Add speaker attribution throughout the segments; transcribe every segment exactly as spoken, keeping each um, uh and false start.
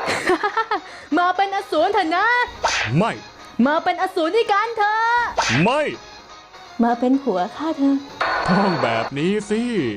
Speaker 1: มาเป็นอสูรเถอะนะ
Speaker 2: ไม่
Speaker 1: มาเป็นอสูรด้วยกันเถอะ
Speaker 2: ไม่
Speaker 1: มาเป็นผัวข้าเธอ
Speaker 2: ต้องแบบนี้สิ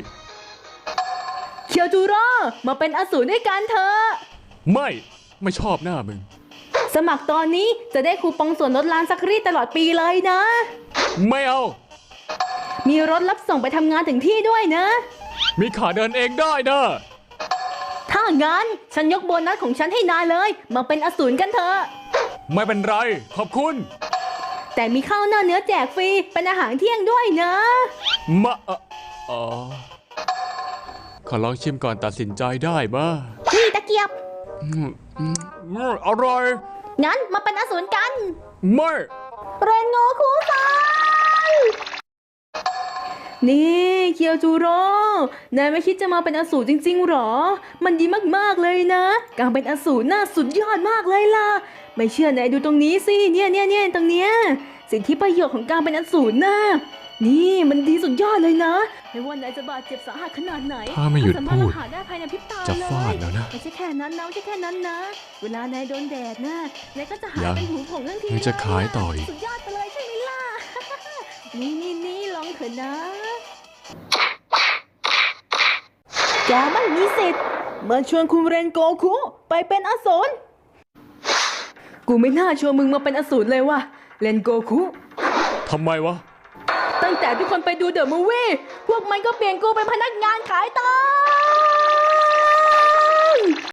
Speaker 1: เคียวจูโร่มาเป็นอสูรด้วยกันเถอะ
Speaker 2: ไม่ไม่ชอบหน้ามึง
Speaker 1: สมัครตอนนี้จะได้คูปองส่วนลดร้านซักรีดตลอดปีเลยนะ
Speaker 2: ไม่เอา
Speaker 1: มีรถรับส่งไปทำงานถึงที่ด้วยนะ
Speaker 2: มีขาเดินเองได้นะ
Speaker 1: ถ้างั้นฉันยกโบนัสของฉันให้นายเลยมาเป็นอสูรกันเถอะ
Speaker 2: ไม่เป็นไรขอบคุณ
Speaker 1: แต่มีข้าวหน้าเนื้อแจกฟรีเป็นอาหารเที่ยงด้วยนะ
Speaker 2: มาอ๋อขอลองชิมก่อนตัดสินใจได้มา
Speaker 1: นี่ตะเกียบ
Speaker 2: อร่อย
Speaker 1: งั้นมาเป็นอสูรกัน
Speaker 2: ไม่
Speaker 1: เรนโงคุซังนี่เคียวจูโร่นายไม่คิดจะมาเป็นอสูรจริงๆหรอมันดีมากๆเลยนะการเป็นอสูรน่าสุดยอดมากเลยล่ะไม่เชื่อนายดูตรงนี้สิเนี่ยเนี่ยเนี่ยตรงเนี้ยสิทธิประโยชน์ของการเป็นอสูรนะนี่มันดีสุดยอดเลยนะไม่ว่านายจะบาดเจ็บสาหัสขนาดไหน
Speaker 2: ถ้าไม่หยุดพูด
Speaker 1: จะ
Speaker 2: ฟาดแล้วนะ
Speaker 1: ไม่ใช่แค่นั้นนะไม่ใช่แค่นั้นนะเวลานายโดนแดดนะนายก็จะหายเป็นหูผงทันที
Speaker 2: เลยจะขายต่ออีก
Speaker 1: สุดยอดไปเลยใช่ไหมล่ะนี่นี่นี่ลองเถอะนะแกไม่มีสิทธิ์มาชวนคุณเรนโกคุไปเป็นอสูรกูไม่น่าชวนมึงมาเป็นอสูรเลยว่ะเรนโกคุ
Speaker 2: ทำไมวะ
Speaker 1: ตั้งแต่ทุกคนไปดูเดอะมูฟวี่พวกมันก็เปลี่ยนกูเป็นพนักงานขายตา